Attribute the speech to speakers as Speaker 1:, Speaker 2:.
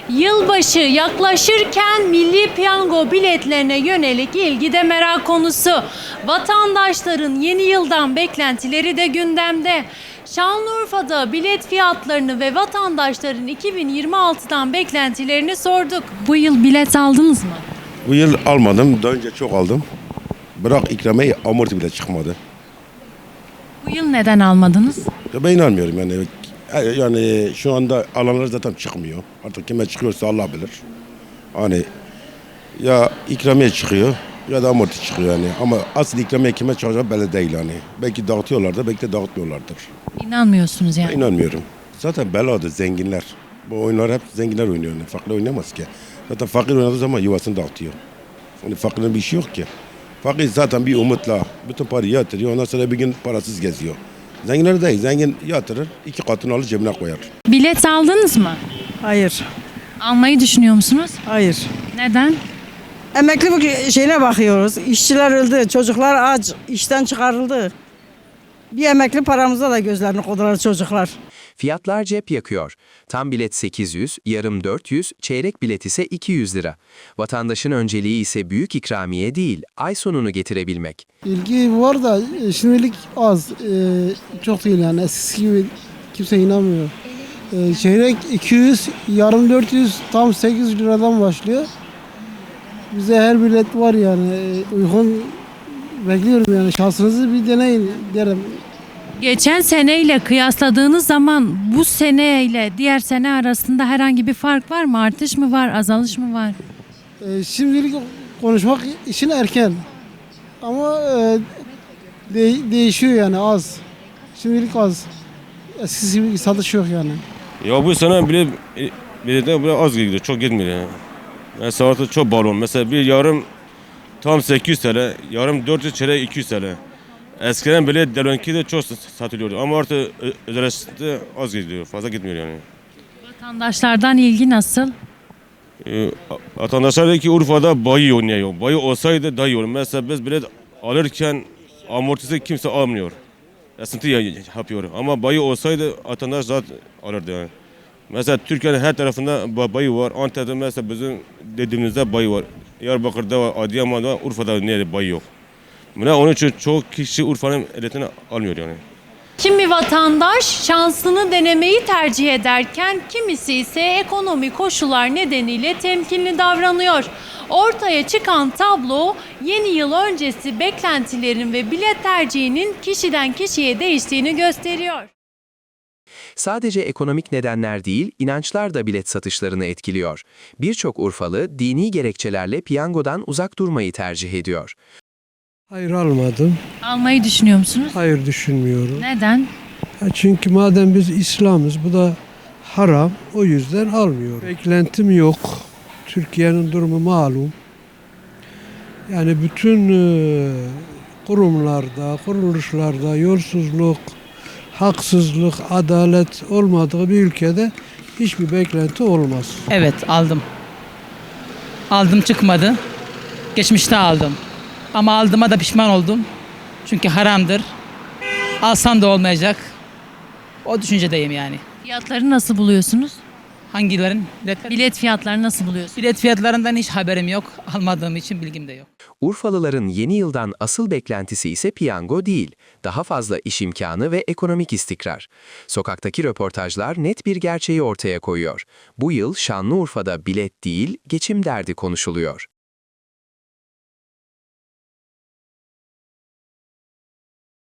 Speaker 1: Yılbaşı yaklaşırken Milli Piyango biletlerine yönelik ilgi de merak konusu. Vatandaşların yeni yıldan beklentileri de gündemde. Şanlıurfa'da bilet fiyatlarını ve vatandaşların 2026'dan beklentilerini sorduk. Bu yıl bilet aldınız mı?
Speaker 2: Bu yıl almadım. Daha önce çok aldım. Bırak ikramiye amorti bile çıkmadı.
Speaker 1: Bu yıl neden almadınız?
Speaker 2: Ya ben inanmıyorum yani. Yani şu anda alanlar zaten çıkmıyor. Artık kime çıkıyorsa Allah bilir. Hani ya ikramiye çıkıyor ya da amorti çıkıyor yani. Ama asıl ikramiye kime çıkacağı belli değil yani. Belki dağıtıyorlardır, belki de dağıtmıyorlardır.
Speaker 1: İnanmıyorsunuz yani.
Speaker 2: İnanmıyorum. Zaten beladır zenginler. Bu oyunlar hep zenginler oynuyor. Yani. Fakir oynamaz ki. Zaten fakir oynadığı zaman yuvasını dağıtıyor. Yani fakirin bir şey yok ki. Fakir zaten bir umutla bütün parayı yatırıyor. Ondan sonra bir gün parasız geziyor. Zenginler değil. Zengin yatırır, 2 katını alır cebine koyar.
Speaker 1: Bilet aldınız mı?
Speaker 3: Hayır,
Speaker 1: Almayı düşünüyor musunuz?
Speaker 3: hayır.
Speaker 1: Neden?
Speaker 3: Emekli bu şeyine bakıyoruz. İşçiler öldü, çocuklar aç, işten çıkarıldı. Bir emekli paramıza da gözlerini kodular çocuklar.
Speaker 4: Fiyatlar cep yakıyor. Tam bilet 800, yarım 400, çeyrek bilet ise 200 lira. Vatandaşın önceliği ise büyük ikramiye değil, ay sonunu getirebilmek.
Speaker 5: İlgi var da şimdilik az. Çok değil yani eskisi gibi kimse inanmıyor. Çeyrek 200, yarım 400, tam 800 liradan başlıyor. Bize her bilet var yani uygun bekliyorum yani şansınızı bir deneyin derim.
Speaker 1: Geçen seneyle kıyasladığınız zaman bu seneyle diğer sene arasında herhangi bir fark var mı? Artış mı var, azalış mı var?
Speaker 5: Şimdilik konuşmak için erken ama değişiyor yani az. Şimdilik az. Eskisi gibi satış yok yani.
Speaker 6: Ya bu sene bile az gidiyor, çok gitmiyor yani. Mesela artık çok balon. Mesela bir yarım tam 800 TL, yarım 400 TL 200 TL. Eskiden bile delonki de çok satılıyordu ama artık özelleşti az gidiyor, fazla gitmiyor yani.
Speaker 1: Vatandaşlardan ilgi nasıl?
Speaker 6: Vatandaşlar dedi ki Urfa'da bayi oynuyor. Bayi olsaydı daha iyi olur. Mesela biz bilet alırken amortisi kimse almıyor. Esnti yapıyor. Ama bayi olsaydı vatandaş zaten alırdı yani. Mesela Türkiye'nin her tarafında bayi var. Antep'te mesela bizim dediğimizde bayi var. Diyarbakır'da var, Adıyaman'da var, Urfa'da nerede bayi yok. Onun için çok kişi Urfa'nın eletini almıyor yani.
Speaker 1: Kimi vatandaş şansını denemeyi tercih ederken kimisi ise ekonomik koşullar nedeniyle temkinli davranıyor. Ortaya çıkan tablo yeni yıl öncesi beklentilerin ve bilet tercihinin kişiden kişiye değiştiğini gösteriyor.
Speaker 4: Sadece ekonomik nedenler değil, inançlar da bilet satışlarını etkiliyor. Birçok Urfalı dini gerekçelerle piyangodan uzak durmayı tercih ediyor.
Speaker 5: Hayır almadım.
Speaker 1: Almayı düşünüyor musunuz?
Speaker 5: Hayır düşünmüyorum.
Speaker 1: Neden?
Speaker 5: Çünkü madem biz İslam'ız bu da haram o yüzden almıyorum. Beklentim yok. Türkiye'nin durumu malum. Yani bütün kurumlarda, kuruluşlarda yolsuzluk, haksızlık, adalet olmadığı bir ülkede hiçbir beklenti olmaz.
Speaker 7: Evet aldım. Aldım çıkmadı. Geçmişte aldım. Ama aldığıma da pişman oldum. Çünkü haramdır. Alsam da olmayacak. O düşüncedeyim yani.
Speaker 1: Fiyatları nasıl buluyorsunuz?
Speaker 7: Hangilerin?
Speaker 1: Bilet fiyatlarını nasıl buluyorsunuz?
Speaker 7: Bilet fiyatlarından hiç haberim yok. Almadığım için bilgim de yok.
Speaker 4: Urfalıların yeni yıldan asıl beklentisi ise piyango değil, daha fazla iş imkanı ve ekonomik istikrar. Sokaktaki röportajlar net bir gerçeği ortaya koyuyor. Bu yıl Şanlıurfa'da bilet değil, geçim derdi konuşuluyor.